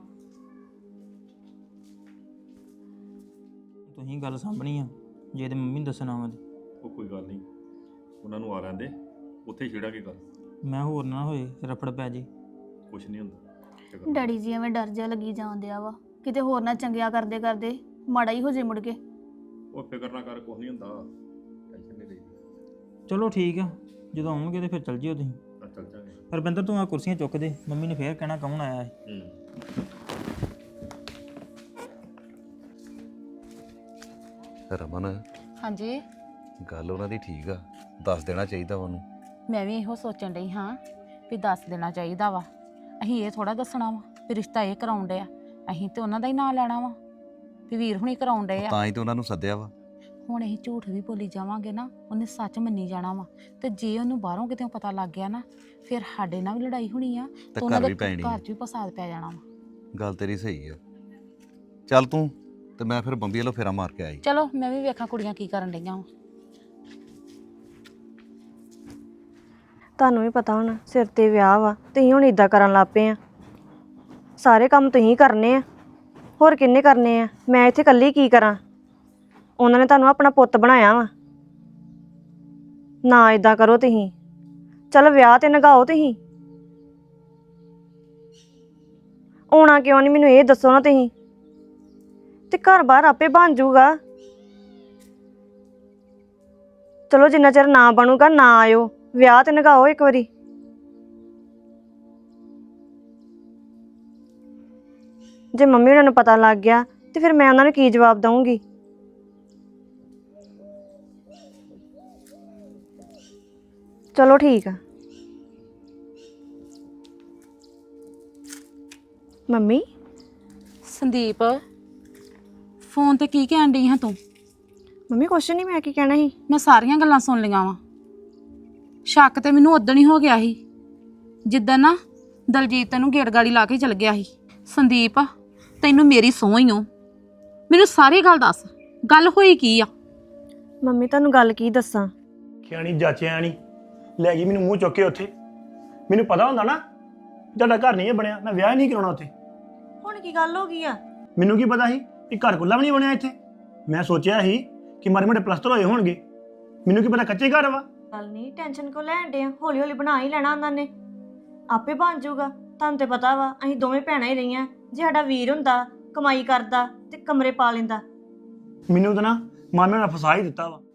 S7: ਤੁਸੀਂ ਗੱਲ ਸਾਂਭਣੀ ਆ, ਜੇ ਤੇ ਮੰਮੀ ਨੂੰ ਦੱਸਣਾ ਵਾ ਤੇ
S1: ਉਹ ਕੋਈ ਗੱਲ ਨਹੀਂ, ਉਹਨਾਂ ਨੂੰ ਆ ਲੈਂਦੇ, ਉੱਥੇ ਛੇੜਾਂਗੇ ਗੱਲ।
S7: ਮੈਂ ਹੋਰ ਨਾ ਹੋਏ ਰਫੜ ਪੈ ਜੇ।
S1: ਕੁਛ ਨਹੀਂ ਹੁੰਦਾ। ਫਿਕਰ ਨਾ
S8: ਡੈਡੀ ਜੀ ਐਵੇਂ ਡਰ ਜਿਹਾ ਲੱਗੀ ਜਾਂਦਿਆ ਵਾ, ਕਿਤੇ ਹੋਰ ਨਾ ਚੰਗਿਆ ਕਰਦੇ ਕਰਦੇ ਮਾੜਾ ਹੀ ਹੋ ਜੇ ਮੁੜ ਕੇ।
S1: ਉਹ ਫਿਕਰ ਨਾ ਕਰ, ਕੁਛ ਨਹੀਂ ਹੁੰਦਾ, ਟੈਨਸ਼ਨ ਨਹੀਂ ਲਈ।
S7: ਚਲੋ ਠੀਕ ਆ, ਜਦੋਂ ਆਉਣਗੇ ਤੇ ਫਿਰ ਚੱਲ ਜਿਓ ਤੁਸੀਂ।
S1: ਆ ਚੱਲ ਜਾਂਗੇ।
S7: ਰਵਿੰਦਰ ਤੂੰ ਆ ਕੁਰਸੀਆਂ ਚੁੱਕ ਦੇ, ਮੰਮੀ ਨੇ ਫੇਰ ਕਹਿਣਾ ਕੌਣ ਆਇਆ ਹੈ।
S1: ਹੂੰ
S3: ਰਮਨ
S2: ਹਾਂਜੀ
S3: ਗੱਲ ਉਹਨਾਂ ਦੀ ਠੀਕ ਆ, ਦੱਸ ਦੇਣਾ ਚਾਹੀਦਾ ਉਹਨੂੰ।
S2: ਮੈਂ ਵੀ ਇਹੋ ਸੋਚਣ ਡਈ ਹਾਂ ਵੀ ਦੱਸ ਦੇਣਾ ਚਾਹੀਦਾ ਵਾ। ਅਸੀਂ ਇਹ ਥੋੜਾ ਦੱਸਣਾ ਵਾ ਵੀ ਰਿਸ਼ਤਾ ਇਹ ਕਰਾਉਣ ਡਏ ਆ, ਅਸੀਂ ਤੇ ਉਹਨਾਂ ਦਾ ਹੀ ਨਾਂ ਲੈਣਾ ਵਾ ਵੀ ਵੀਰ ਹੁਣੀ ਕਰਾਉਣ ਡਏ ਆ।
S3: ਤਾਂ ਹੀ ਤੇ ਉਹਨਾਂ ਨੂੰ ਸੱਦਿਆ ਵਾ।
S2: ਹੁਣ ਅਸੀਂ ਝੂਠ ਵੀ ਬੋਲੀ ਜਾਵਾਂਗੇ ਨਾ, ਉਹਨੇ ਸੱਚ ਮੰਨੀ ਜਾਣਾ ਵਾ। ਤੇ ਜੇ ਉਹਨੂੰ ਬਾਹਰੋਂ ਕਿਤੇ ਪਤਾ ਲੱਗ ਗਿਆ ਨਾ, ਫਿਰ ਸਾਡੇ ਨਾਲ ਵੀ ਲੜਾਈ ਹੋਣੀ ਆ
S3: ਤੇ
S2: ਉਹਨਾਂ
S3: ਘਰ
S2: ਦੇ
S3: ਵੀ ਪੈਣੀ ਆ।
S2: ਘਰ 'ਚ ਵੀ ਫਸਾਦ ਪੈ ਜਾਣਾ ਵਾ।
S3: ਗੱਲ ਤੇਰੀ ਸਹੀ ਆ। ਚੱਲ ਤੂੰ ਤੇ ਮੈਂ ਫਿਰ ਬੰਬੀ ਵੱਲੋਂ ਫੇਰਾ ਮਾਰ ਕੇ ਆਈ।
S5: ਚਲੋ ਮੈਂ ਵੀ ਵੇਖਾਂ ਕੁੜੀਆਂ ਕੀ ਕਰਨ ਡਈਆਂ ਵਾ।
S4: ਤੁਹਾਨੂੰ ਵੀ ਪਤਾ ਹੁਣ ਸਿਰ ਤੇ ਵਿਆਹ ਵਾ, ਤੁਸੀਂ ਹੁਣ ਇਦਾਂ ਕਰਨ ਲੱਗ ਪਏ ਆ। ਸਾਰੇ ਕੰਮ ਤੁਸੀਂ ਕਰਨੇ ਆ, ਹੋਰ ਕਿੰਨੇ ਕਰਨੇ ਆ? ਮੈਂ ਇੱਥੇ ਇਕੱਲੀ ਕੀ ਕਰਾਂ? ਉਹਨਾਂ ਨੇ ਤੁਹਾਨੂੰ ਆਪਣਾ ਪੁੱਤ ਬਣਾਇਆ ਵਾ। ਨਾ ਇਦਾਂ ਕਰੋ ਤੁਸੀਂ। ਚਲੋ ਵਿਆਹ ਤੇ ਨਗਾਓ ਤੁਸੀਂ। ਆਉਣਾ ਕਿਉਂ ਨਹੀਂ ਮੈਨੂੰ ਇਹ ਦੱਸੋ ਨਾ ਤੁਸੀਂ। ਤੇ ਘਰ ਬਾਹਰ ਆਪੇ ਬਣ ਜਾਊਗਾ। ਚਲੋ ਜਿੰਨਾ ਚਿਰ ਨਾ ਬਣੂਗਾ ਨਾ ਆਇਓ, ਵਿਆਹ ਤੇ ਨਗਾਓ ਇੱਕ ਵਾਰੀ। ਜੇ ਮੰਮੀ ਉਹਨਾਂ ਨੂੰ ਪਤਾ ਲੱਗ ਗਿਆ ਤੇ ਫਿਰ ਮੈਂ ਉਹਨਾਂ ਨੂੰ ਕੀ ਜਵਾਬ ਦਵਾਂਗੀ? ਚਲੋ ਠੀਕ ਆ। ਮੰਮੀ
S5: ਸੰਦੀਪ ਫੋਨ ਤੇ ਕੀ ਕਹਿਣ ਡਈ ਹਾਂ ਤੂੰ?
S4: ਮੰਮੀ ਕੁਛ ਨਹੀਂ, ਮੈਂ ਕੀ ਕਹਿਣਾ ਸੀ।
S5: ਮੈਂ ਸਾਰੀਆਂ ਗੱਲਾਂ ਸੁਣ ਲਈਆਂ ਵਾ। ਸ਼ੱਕ ਤੇ ਮੈਨੂੰ ਉਦੋਂ ਹੀ ਹੋ ਗਿਆ ਸੀ ਜਿੱਦਾਂ ਨਾ ਦਲਜੀਤ ਤੈਨੂੰ ਗੇੜ ਗਾੜੀ ਲਾ ਕੇ ਚਲ ਗਿਆ ਸੀ। ਸੰਦੀਪ ਤੈਨੂੰ ਮੇਰੀ ਸਹੁੰ ਹੀ ਓ। ਮੈਨੂੰ ਸਾਰੀ ਗੱਲ ਦੱਸ, ਗੱਲ ਹੋਈ ਕੀ ਆ?
S4: ਮੰਮੀ ਤੁਹਾਨੂੰ ਗੱਲ ਕੀ ਦੱਸਾਂ?
S9: ਖਿਆਣੀ ਜਾਚਿਆ ਨਹੀਂ ਲੈ ਗਈ ਮੈਨੂੰ ਮੂੰਹ ਚੁੱਕ ਕੇ ਉੱਥੇ। ਮੈਨੂੰ ਪਤਾ ਹੁੰਦਾ ਨਾ ਤੁਹਾਡਾ ਘਰ ਨਹੀਂ ਇਹ ਬਣਿਆ, ਮੈਂ ਵਿਆਹ ਹੀ ਨਹੀਂ ਕਰਾਉਣਾ ਉੱਥੇ।
S4: ਹੁਣ ਕੀ ਗੱਲ ਹੋ ਗਈ ਆ?
S9: ਮੈਨੂੰ ਕੀ ਪਤਾ ਸੀ ਕਿ ਘਰ ਕੁੱਲਾ ਵੀ ਨਹੀਂ ਬਣਿਆ ਇੱਥੇ। ਮੈਂ ਸੋਚਿਆ ਸੀ ਕਿ ਮਾਰੇ ਮੋਟੇ ਪਲਸਤਰ ਹੋਏ ਹੋਣਗੇ, ਮੈਨੂੰ ਕੀ ਪਤਾ ਕੱਚੇ ਘਰ ਵਾ।
S4: ਗੱਲ ਨਹੀਂ, ਟੈਨਸ਼ਨ ਕਿਉਂ ਲੈਣ ਡੇ ਆ? ਹੌਲੀ ਹੌਲੀ ਬਣਾ ਹੀ ਲੈਣਾ ਉਹਨਾਂ ਨੇ, ਆਪੇ ਬਣ ਜਾਊਗਾ। ਤੁਹਾਨੂੰ ਤੇ ਪਤਾ ਵਾ ਅਸੀਂ ਦੋਵੇਂ ਭੈਣਾਂ ਹੀ ਰਹੀਆਂ। ਜੇ ਸਾਡਾ ਵੀਰ ਹੁੰਦਾ ਕਮਾਈ ਕਰਦਾ ਤੇ ਕਮਰੇ ਪਾ ਲੈਂਦਾ।
S9: ਮੈਨੂੰ ਤਾਂ ਨਾ ਮਾਮੇ ਨੇ ਫਸਾ ਹੀ ਦਿੱਤਾ ਵਾ।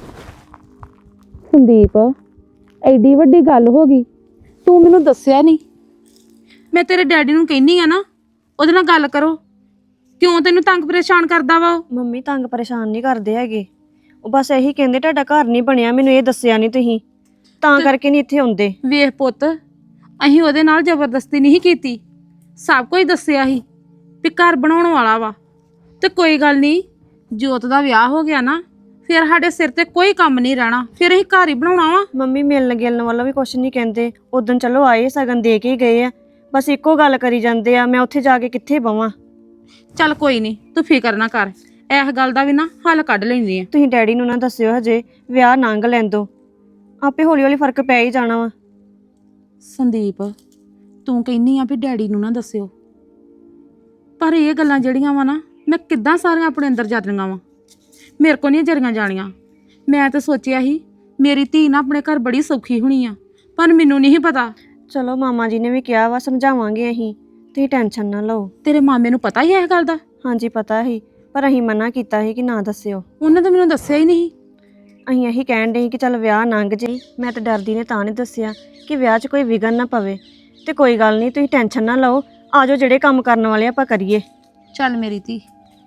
S5: ਸੰਦੀਪ ਐਡੀ ਵੱਡੀ ਗੱਲ ਹੋ ਗਈ, ਤੂੰ ਮੈਨੂੰ ਦੱਸਿਆ ਨਹੀਂ। ਮੈਂ ਤੇਰੇ ਡੈਡੀ ਨੂੰ ਕਹਿੰਨੀ ਆ ਨਾ ਉਹਦੇ ਨਾਲ ਗੱਲ ਕਰੋ। ਕਿਉਂ ਤੈਨੂੰ ਤੰਗ ਪਰੇਸ਼ਾਨ ਕਰਦਾ ਵਾ ਉਹ?
S4: ਮੰਮੀ ਤੰਗ ਪਰੇਸ਼ਾਨ ਨਹੀਂ ਕਰਦੇ ਹੈਗੇ, ਉਹ ਬਸ ਇਹੀ ਕਹਿੰਦੇ ਤੁਹਾਡਾ ਘਰ ਨਹੀਂ ਬਣਿਆ, ਮੈਨੂੰ ਇਹ ਦੱਸਿਆ ਨਹੀਂ ਤੁਸੀਂ, ਤਾਂ ਕਰਕੇ ਨਹੀਂ ਇੱਥੇ ਆਉਂਦੇ।
S5: ਵੇਖ ਪੁੱਤ, ਅਸੀਂ ਉਹਦੇ ਨਾਲ ਜ਼ਬਰਦਸਤੀ ਨਹੀਂ ਕੀਤੀ, ਸਭ ਕੁਝ ਦੱਸਿਆ ਸੀ ਵੀ ਘਰ ਬਣਾਉਣ ਵਾਲਾ ਵਾ। ਤੇ ਕੋਈ ਗੱਲ ਨਹੀਂ, ਜੋਤ ਦਾ ਵਿਆਹ ਹੋ ਗਿਆ ਨਾ ਫਿਰ ਸਾਡੇ ਸਿਰ ਤੇ ਕੋਈ ਕੰਮ ਨਹੀਂ ਰਹਿਣਾ, ਫਿਰ ਅਸੀਂ ਘਰ ਹੀ ਬਣਾਉਣਾ ਵਾ।
S4: ਮੰਮੀ ਮਿਲਣ ਗਿਲਣ ਵਾਲਾ ਵੀ ਕੁਛ ਨਹੀਂ ਕਹਿੰਦੇ। ਉਦੋਂ ਚਲੋ ਆਏ ਸਗਨ ਦੇ ਕੇ ਹੀ ਗਏ ਆ, ਬਸ ਇੱਕੋ ਗੱਲ ਕਰੀ ਜਾਂਦੇ ਆ। ਮੈਂ ਉੱਥੇ ਜਾ ਕੇ ਕਿੱਥੇ ਬਵਾਂ?
S5: ਚੱਲ ਕੋਈ ਨਹੀਂ, ਤੂੰ ਫਿਕਰ ਨਾ ਕਰ, ਇਸ ਗੱਲ ਦਾ ਵੀ ਨਾ ਹੱਲ ਕੱਢ ਲੈਂਦੇ ਆ।
S4: ਤੁਸੀਂ ਡੈਡੀ ਨੂੰ ਨਾ ਦੱਸਿਓ, ਹਜੇ ਵਿਆਹ ਲੰਘ ਲੈਣ ਦਿਓ, ਆਪੇ ਹੌਲੀ ਹੌਲੀ ਫਰਕ ਪੈ ਹੀ ਜਾਣਾ ਵਾ।
S5: ਸੰਦੀਪ ਤੂੰ ਕਹਿੰਨੀ ਆ ਵੀ ਡੈਡੀ ਨੂੰ ਨਾ ਦੱਸਿਓ, ਪਰ ਇਹ ਗੱਲਾਂ ਜਿਹੜੀਆਂ ਵਾ ਨਾ ਮੈਂ ਕਿੱਦਾਂ ਸਾਰੀਆਂ ਆਪਣੇ ਅੰਦਰ ਜਾਂਦੀਆਂ ਵਾ, ਮੇਰੇ ਕੋ ਨਹੀਂ ਜਰੀਆਂ ਜਾਣੀਆਂ। ਮੈਂ ਤਾਂ ਸੋਚਿਆ ਸੀ ਮੇਰੀ ਧੀ ਨਾ ਆਪਣੇ ਘਰ ਬੜੀ ਸੌਖੀ ਹੋਣੀ ਆ, ਪਰ ਮੈਨੂੰ ਨਹੀਂ ਪਤਾ।
S4: ਚਲੋ ਮਾਮਾ ਜੀ ਨੇ ਵੀ ਕਿਹਾ ਵਾ, ਸਮਝਾਵਾਂਗੇ ਅਸੀਂ, ਤੁਸੀਂ ਟੈਨਸ਼ਨ ਨਾ ਲਓ।
S5: ਤੇਰੇ ਮਾਮੇ ਨੂੰ ਪਤਾ ਹੀ ਹੈ ਇਹ ਗੱਲ ਦਾ?
S4: ਹਾਂਜੀ ਪਤਾ ਸੀ, ਪਰ ਅਸੀਂ ਮਨਾ ਕੀਤਾ ਸੀ ਕਿ ਨਾ ਦੱਸਿਓ।
S5: ਉਹਨੇ ਤਾਂ ਮੈਨੂੰ ਦੱਸਿਆ ਹੀ ਨਹੀਂ।
S4: ਅਸੀਂ ਇਹੀ ਕਹਿਣ ਦੇ ਸੀ ਕਿ ਚੱਲ ਵਿਆਹ ਲੰਘ ਜੇ। ਮੈਂ ਤਾਂ ਡਰਦੀ ਨੇ ਤਾਂ ਨਹੀਂ ਦੱਸਿਆ ਕਿ ਵਿਆਹ 'ਚ ਕੋਈ ਵਿਘਨ ਨਾ ਪਵੇ। ਤੇ ਕੋਈ ਗੱਲ ਨਹੀਂ, ਤੁਸੀਂ ਟੈਨਸ਼ਨ ਨਾ ਲਓ, ਆ ਜਾਓ ਜਿਹੜੇ ਕੰਮ ਕਰਨ ਵਾਲੇ ਆਪਾਂ ਕਰੀਏ।
S5: ਚੱਲ ਮੇਰੀ ਧੀ।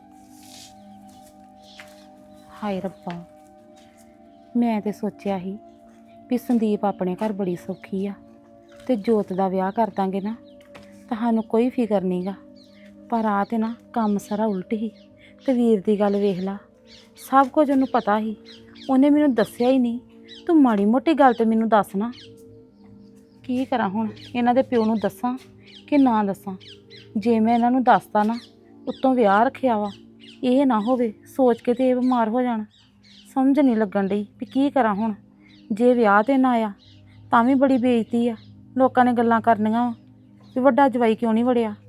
S5: ਹਾਏ ਰੱਬਾ, ਮੈਂ ਤੇ ਸੋਚਿਆ ਸੀ ਵੀ ਸੰਦੀਪ ਆਪਣੇ ਘਰ ਬੜੀ ਸੌਖੀ ਆ ਤੇ ਜੋਤ ਦਾ ਵਿਆਹ ਕਰ ਦਾਂਗੇ ਨਾ ਤੁਹਾਨੂੰ ਕੋਈ ਫਿਕਰ ਨਹੀਂਗਾ, ਪਰ ਆ ਤੇ ਨਾ ਕੰਮ ਸਾਰਾ ਉਲਟ ਹੀ। ਤੇ ਵੀਰ ਦੀ ਗੱਲ ਵੇਖ ਲਾ, ਸਭ ਕੁਝ ਉਹਨੂੰ ਪਤਾ ਸੀ, ਉਹਨੇ ਮੈਨੂੰ ਦੱਸਿਆ ਹੀ ਨਹੀਂ। ਤੂੰ ਮਾੜੀ ਮੋਟੀ ਗੱਲ ਤੇ ਮੈਨੂੰ ਦੱਸ ਨਾ। ਕੀ ਕਰਾਂ ਹੁਣ, ਇਹਨਾਂ ਦੇ ਪਿਓ ਨੂੰ ਦੱਸਾਂ ਕਿ ਨਾ ਦੱਸਾਂ? ਜੇ ਮੈਂ ਇਹਨਾਂ ਨੂੰ ਦੱਸਦਾ ਨਾ ਉੱਤੋਂ ਵਿਆਹ ਰੱਖਿਆ ਵਾ, ਇਹ ਨਾ ਹੋਵੇ ਸੋਚ ਕੇ ਤੇ ਇਹ ਬਿਮਾਰ ਹੋ ਜਾਣ। ਸਮਝ ਨਹੀਂ ਲੱਗਣ ਡਈ ਵੀ ਕੀ ਕਰਾਂ ਹੁਣ। ਜੇ ਵਿਆਹ ਤੇ ਨਾ ਆਇਆ ਤਾਂ ਵੀ ਬੜੀ ਬੇਇੱਜ਼ਤੀ ਆ, ਲੋਕਾਂ ਨੇ ਗੱਲਾਂ ਕਰਨੀਆਂ ਵਾ ਵੀ ਵੱਡਾ ਜਵਾਈ ਕਿਉਂ ਨਹੀਂ ਵੜਿਆ।